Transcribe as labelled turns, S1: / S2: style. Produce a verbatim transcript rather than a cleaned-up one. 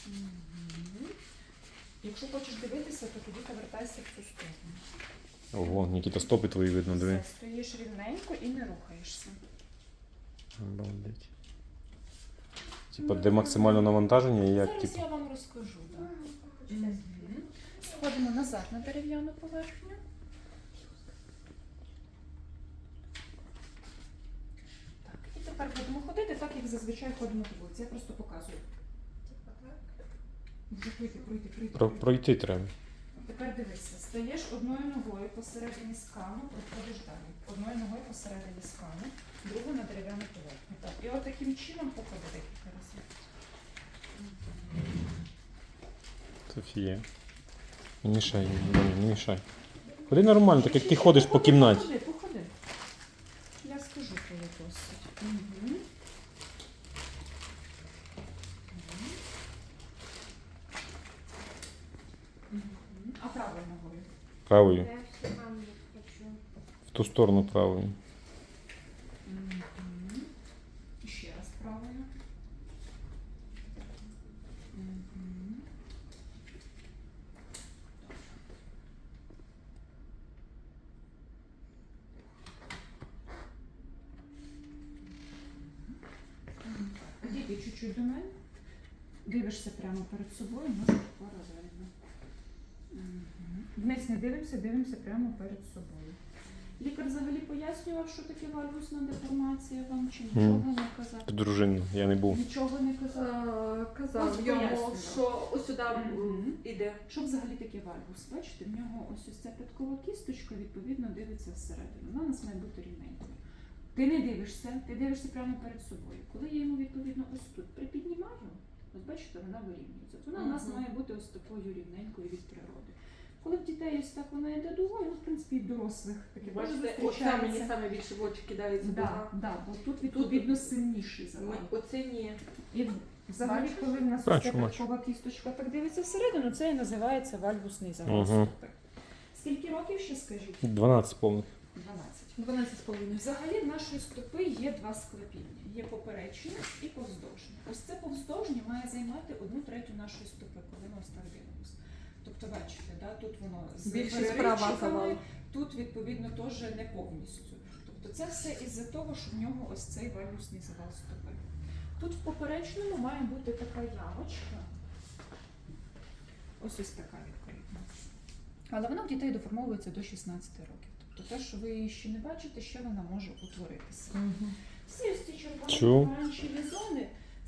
S1: Угу. Якщо хочеш дивитися, то тоді повертайся в цю сторону.
S2: Ого, Нікіта, стопи твої видно, диви.
S1: Все, стоїш рівненько і не рухаєшся.
S2: Обалдеть. Типа, де максимальне навантаження і як,
S1: Зараз
S2: типу.
S1: я вам розкажу. Да. Угу. Сходимо назад на дерев'яну поверхню. Так, і тепер будемо ходити так, як зазвичай ходимо по вулиці. Я просто показую. Вже пройти, пройти, пройти.
S2: Про, пройти треба.
S1: Тепер дивися, стаєш одною ногою посередині скану, проходиш далі. Одною ногою посередині скану, другу на дерев'яну поверхню. Так, і от таким чином походи декілька разів.
S2: Софія. Не мішай, не, не мішай. Ходи нормально, так як ти ходиш по кімнаті.
S1: Походи, походи. Я скажу, коли досить. Угу. А правою ногою?
S2: Правою.
S3: Я все маму хочу.
S2: В ту сторону правою.
S1: Угу. Ще раз правою. Угу. Дійди чуть-чуть до мене. Дивишся прямо перед собою, може паралельно. Угу. Вниз не дивимося, дивимося прямо перед собою. Лікар взагалі пояснював, що таке вальгусна деформація вам, чи нічого
S2: Мгм.
S1: не казав?
S2: Дружина, я не був.
S1: Нічого не казав.
S4: Е,
S1: Ось
S4: Казав йому,
S1: пояснював.
S4: що ось сюди
S1: Мгм.
S4: йде.
S1: Що взагалі таке вальгус? Бачите, в нього ось ось ця п'яткова кісточка, відповідно, дивиться всередину. Вона у нас має бути рівненькою. Ти не дивишся, ти дивишся прямо перед собою. Коли я йому, відповідно, ось тут припіднімаю, ось бачите, вона вирівнюється. От вона у нас
S4: Мгм.
S1: має бути ось такою рівненькою від природи. Коли в дітей ось так вона йде дугою, ну, в принципі, і в дорослих таке теж
S4: Бачите, оце
S1: зустрічається.
S4: мені саме більше в очі кидається.
S1: Да, да, бо тут відповідно сильніший завал.
S4: Ми- Оце ні.
S1: І взагалі,
S4: Бачиш?
S1: коли в нас
S2: Бачу,
S1: ось ця
S2: бачу.
S1: п'яткова кісточка так дивиться всередину, це і називається вальгусний завал
S2: Мгм.
S1: стопи. Скільки років ще скажіть?
S2: дванадцять повних.
S1: дванадцять.
S4: дванадцять з половиною.
S1: Взагалі в нашої стопи є два склепіння. Є поперечне і повздовжнє. Ось це повздовжнє має займати одну третю нашої стопи, коли ми ось так дивимося. Тобто, бачите, да, тут воно з
S4: Більшість права
S1: переривчиками,
S4: завал.
S1: тут, відповідно, теж не повністю. Тобто це все із-за того, що в нього ось цей вальгусний завал стопи. Тут в поперечному має бути така ямочка. Ось ось така відповідно. Але вона в дітей доформовується до шістнадцяти років. Тобто те, що ви її ще не бачите, ще вона може утворитися. Всі ось ці червоні
S2: Чу.
S1: помаранчеві зони